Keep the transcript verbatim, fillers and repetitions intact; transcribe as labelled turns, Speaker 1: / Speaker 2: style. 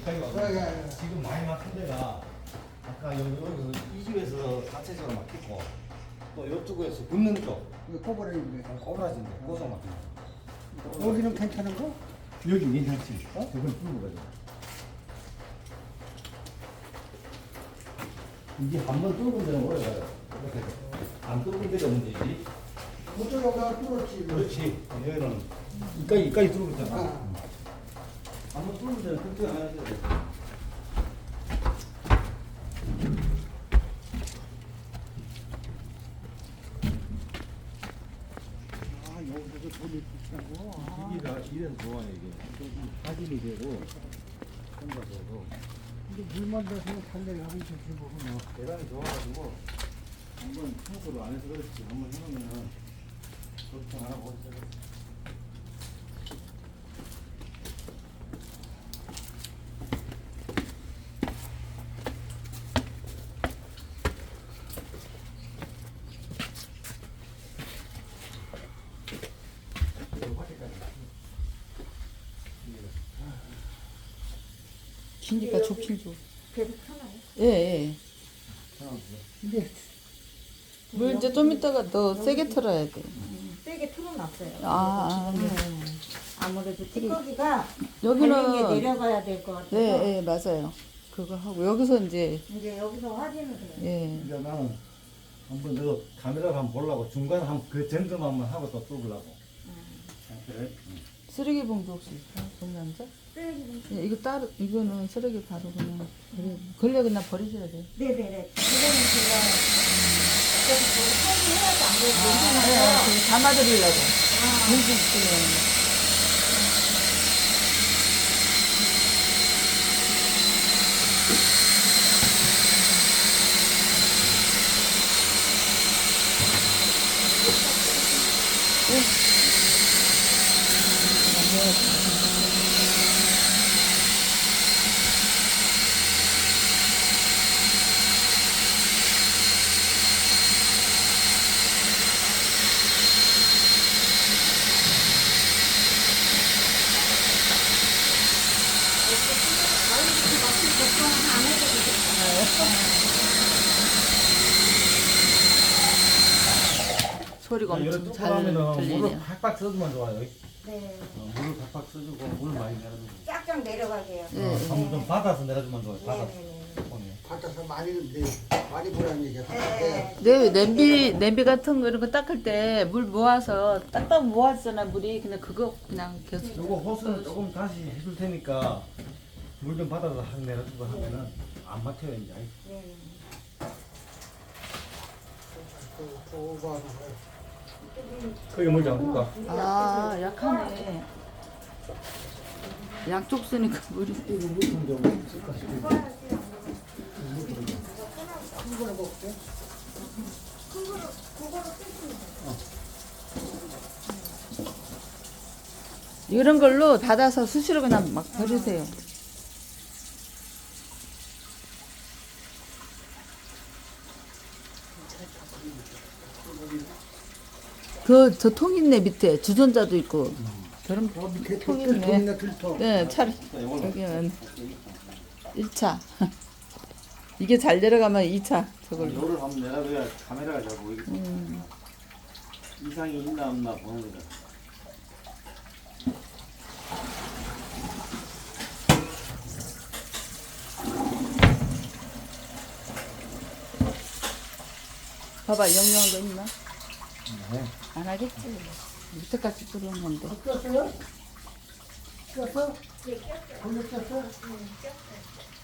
Speaker 1: 여기까지 와서
Speaker 2: 예, 예, 예.
Speaker 1: 지금 많이 막힌 데가 아까 여기 여기서 이 집에서 자체적으로 막혔고 또 이쪽에서 붙는 쪽
Speaker 2: 이거 꼬부라인데.
Speaker 1: 꼬부라진데 고소 막힌 거.
Speaker 2: 여기는 괜찮은 거?
Speaker 1: 여기 괜찮지? 어? 저걸 뚫는 거죠. 이게 한 번 뚫은 데는 오래 가요. 이렇게 안 뚫은 데가 문제지.
Speaker 2: 그쪽에 여기가 뚫었지.
Speaker 1: 그렇지. 여기는 이까지 이까지 뚫고 있잖아.
Speaker 2: 아.
Speaker 1: 한번 뚫은 데는 그렇게 안 하셔야 돼.
Speaker 2: 아, 여기도 돌이 붙이고. 아.
Speaker 1: 이기가 이래서 좋아요 이게. 좀 사진이 되고 혼자서도
Speaker 2: 근데 물만 돼서 달려가면 좋지 뭐.
Speaker 1: 대단히 좋아가지고 한번 청소를 안 해서 그렇지 한번 해놓으면은 걱정 안 하고 있어요.
Speaker 3: 기니까 좋긴 좋.
Speaker 4: 계속 하나요?
Speaker 3: 예, 예.
Speaker 2: 근데
Speaker 3: 물 이제 좀 이따가 더 세게 틀어야 돼.
Speaker 4: 세게 틀어놨어요.
Speaker 3: 아, 아, 네.
Speaker 4: 아무래도 찌꺼기가
Speaker 3: 여기는
Speaker 4: 달린 게 내려가야 될 것 같아서
Speaker 3: 네, 예, 맞아요. 그거 하고 여기서 이제
Speaker 4: 이제 여기서 확인을 해요.
Speaker 3: 예.
Speaker 1: 이제 나는 한번 너 카메라로 한번 보려고 중간 한그 점검 한번 하고 또 뚫으려고. 그래?
Speaker 3: 쓰레기 봉투 혹시 있어요? 동남자?
Speaker 4: 쓰레기 봉투.
Speaker 3: 예, 이거 따로 이거는 쓰레기 바로 그냥 버려. 걸려 그냥 버리셔야 돼.
Speaker 4: 네네네. 그거는 제가 어차피 저거 처리해야지 안 그래도
Speaker 3: 아,
Speaker 4: 괜찮아요.
Speaker 3: 예, 담아드리려고.
Speaker 4: 아,
Speaker 3: 봉투 있으면.
Speaker 4: 안 해도
Speaker 3: 소리가
Speaker 1: 이런
Speaker 3: 엄청
Speaker 1: 뚫고
Speaker 3: 잘
Speaker 1: 나면은 물을
Speaker 3: 들리네요.
Speaker 1: 팍팍 써주면 좋아요.
Speaker 4: 네.
Speaker 1: 어, 물을 팍팍 써주고 물 많이 내려주고.
Speaker 4: 쫙쫙 내려가게요.
Speaker 3: 네.
Speaker 1: 어, 한번 좀 받아서 내려주면 좋아요. 받아서.
Speaker 4: 네네네.
Speaker 1: 손에.
Speaker 2: 바꿔서 많이 네, 많이 보라는 얘기야.
Speaker 4: 네.
Speaker 3: 네, 냄비 냄비 같은 거 이런 거 닦을 때 물 모아서 딱딱 모았잖아 물이 그냥 그거 그냥 계속.
Speaker 1: 요거 호스는 조금 다시 해줄 테니까 물 좀 받아서 확 내려주고 하면은 안 막혀요 이제.
Speaker 4: 네.
Speaker 1: 거기 물 잠글까?
Speaker 3: 아 약하네. 양쪽 쓰니까 물이.
Speaker 1: 이거 물좀 좀 쓸까 싶어.
Speaker 3: 이런 걸로 닫아서 수시로 그냥 막 버리세요. 그 저 통 있네 밑에 주전자도 있고. 저런
Speaker 2: 어, 밑에
Speaker 3: 통
Speaker 2: 들통
Speaker 3: 있네.
Speaker 2: 있네 들통.
Speaker 3: 네, 차를 여기는 일 차. 이게 잘 내려가면 이 차 저걸로.
Speaker 1: 요를 한번 내려줘야 카메라가 잘 보이겠어.
Speaker 3: 음.
Speaker 1: 이상이 있나 없나 보는 거다.
Speaker 3: 봐봐 영영한 거 있나?
Speaker 1: 네.
Speaker 3: 안 하겠지. 밑에까지 뚫은 건데.
Speaker 2: 꼈어요? 꼈어? 꼈어? 돌려 꼈어?